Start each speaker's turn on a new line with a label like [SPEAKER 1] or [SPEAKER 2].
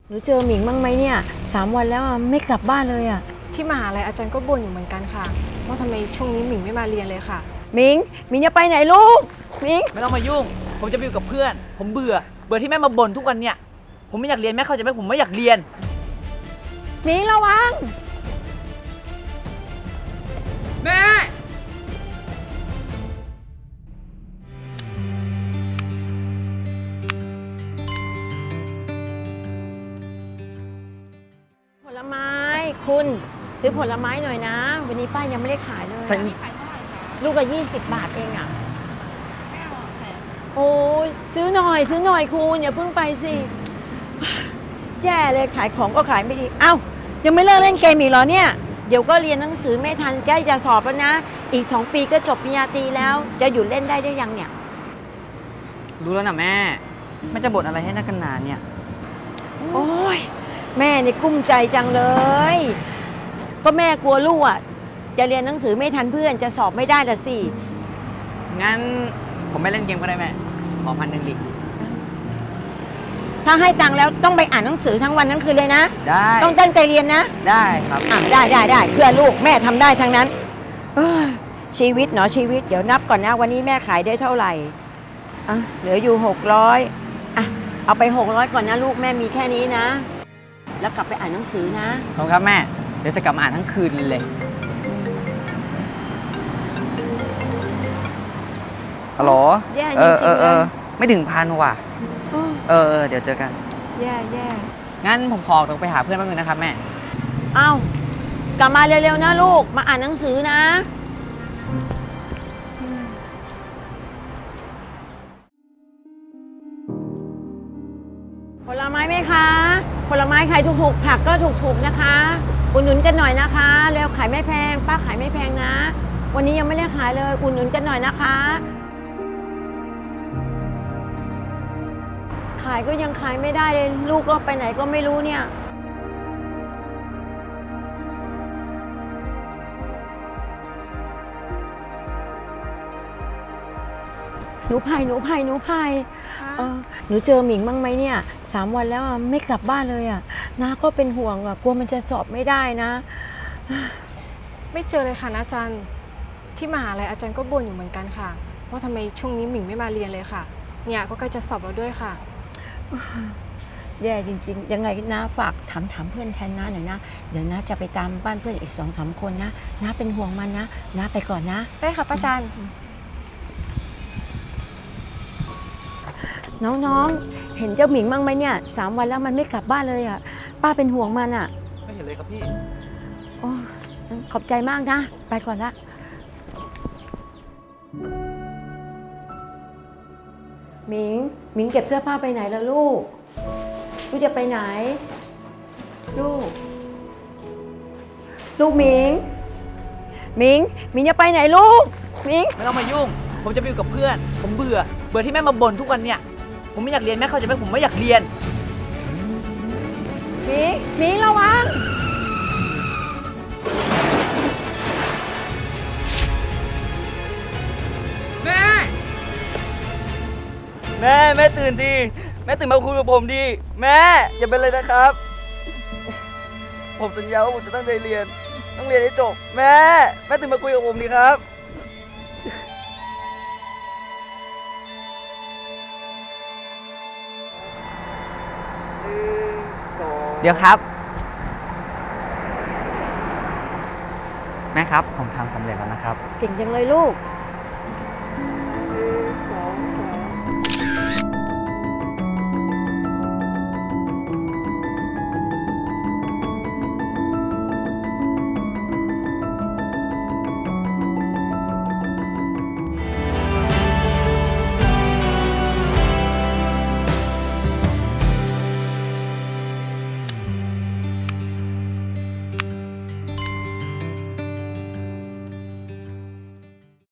[SPEAKER 1] หนูเจอหมิงบ้างไหมเนี่ย3 วันแล้วไม่กลับบ้านเลย
[SPEAKER 2] ที่มหาลัยอาจารย์ก็บ่นอยู่เหมือนกันค่ะว่าทำไมช่วงนี้หมิงไม่มาเรียนเลยค่ะ
[SPEAKER 1] หมิงจะไปไหนลูกหมิง
[SPEAKER 3] ไม่ต้องมายุ่งผมจะไปอยู่กับเพื่อนผมเบื่อที่แม่มาบ่นทุกวันเนี่ยผมไม่อยากเรียนแม่เข้าใจไหมผมไม่อยากเรียน
[SPEAKER 1] หมิงระวัง
[SPEAKER 3] แม่
[SPEAKER 1] ผลไม้คุณซื้อผลไม้หน่อยนะวันนี้ป้ายังไม่ได้ขายเลยลูกละ20 บาทเองโอ้ยซื้อหน่อยคุณอย่าเพิ่งไปสิแย่เลยขายของก็ขายไม่ดีเอ้ายังไม่เลิกเล่นเกมอีกเหรอเนี่ยเดี๋ยวก็เรียนหนังสือไม่ทันใกล้จะสอบแล้วนะอีก2 ปีก็จบปริญญาตรีแล้วจะหยุดเล่นได้ยังเนี่ย
[SPEAKER 3] รู้แล้วนะแม่จะบ่นอะไรให้นักกันหนาเนี่ย
[SPEAKER 1] โอ้ยแม่นี่กุ้มใจจังเลยก็แม่กลัวลูกจะเรียนหนังสือไม่ทันเพื่อนจะสอบไม่ได้ละสิ
[SPEAKER 3] งั้นผมไม่เล่นเกมก็ได้แม่ขอ1,000ดิ
[SPEAKER 1] ถ้าให้ตังค์แล้วต้องไปอ่านหนังสือทั้งวันทั้งคืนเลยนะ
[SPEAKER 3] ได้
[SPEAKER 1] ต้องตั้งใจเรียนนะ
[SPEAKER 3] ได้ครับ
[SPEAKER 1] ได้เพื่อลูกแม่ทำได้ทั้งนั้นชีวิตเนาะชีวิตเดี๋ยวนับก่อนนะวันนี้แม่ขายได้เท่าไหร่เหลืออยู่600เอาไป600ก่อนนะลูกแม่มีแค่นี้นะแล้วกลับไปอ่านหนังสือนะ
[SPEAKER 3] ขอบคุณครับแม่เดี๋ยวจะกลับมาอ่านทั้งคืนเลยฮัลโหลไม่ถึง1,000ว่ะเดี๋ยวเจอกัน
[SPEAKER 1] แย่
[SPEAKER 3] งั้นผมขอตัวไปหาเพื่อนแป๊บนึงนะครับแม่
[SPEAKER 1] กลับมาเร็วๆนะลูกมาอ่านหนังสือนะผลไม้ไหมคะผลไม้ขายถูกๆผักก็ถูกๆนะคะอุดหนุนกันหน่อยนะคะแล้วขายไม่แพงป้าขายไม่แพงนะวันนี้ยังไม่ได้ขายเลยอุดหนุนกันหน่อยนะคะขายก็ยังขายไม่ได้เลยลูกก็ไปไหนก็ไม่รู้เนี่ยหนูไผ่หนูเจอหมิงบ้างไหมเนี่ย3 วันแล้วไม่กลับบ้านเลยน้าก็เป็นห่วงกลัวมันจะสอบไม่ได้นะ
[SPEAKER 2] ไม่เจอเลยค่ะนะอาจารย์ที่มหาลัยอาจารย์ก็บ่นอยู่เหมือนกันค่ะว่าทำไมช่วงนี้หมิงไม่มาเรียนเลยค่ะเนี่ยก็ใกล้จะสอบแล้วด้วยค่ะ
[SPEAKER 1] แย่จริงๆยังไงนะฝากถามเพื่อนแทนน้าหน่อยนะเดี๋ยวน้าจะไปตามบ้านเพื่อนอีก2-3 คนนะน้าเป็นห่วงมันนะน้าไปก่อนนะ
[SPEAKER 2] ได้ค่ะป้าจัน
[SPEAKER 1] น้องเห็นเจ้าหมิงบ้างไหมเนี่ย3 วันแล้วมันไม่กลับบ้านเลยป้าเป็นห่วงมัน
[SPEAKER 4] ไม่เห็นเลยครับพี่
[SPEAKER 1] โอ้ขอบใจมากนะไปก่อนละหมิงเก็บเสื้อผ้าไปไหนแล้วลูกจะไปไหนลูกหมิงจะไปไหนลูกหมิง
[SPEAKER 3] ไม่ต้องมายุ่งผมจะไปอยู่กับเพื่อนผมเบื่อที่แม่มาบ่นทุกวันเนี่ยผมไม่อยากเรียนแม่เข้าใจไหมผมไม่อยากเรียน
[SPEAKER 1] หมิงระวัง
[SPEAKER 4] แม่ตื่นดีแม่ตื่นมาคุยกับผมดีแม่อย่าเป็นเลยนะครับผมสัญญาว่าผมจะตั้งใจเรียนต้องเรียนให้จบแม่ตื่นมาคุยกับผมดีครับ
[SPEAKER 3] เดี๋ยวครับแม่ครับผมทำสำเร็จแล้วนะครับ
[SPEAKER 1] เก่งจังเลยลูก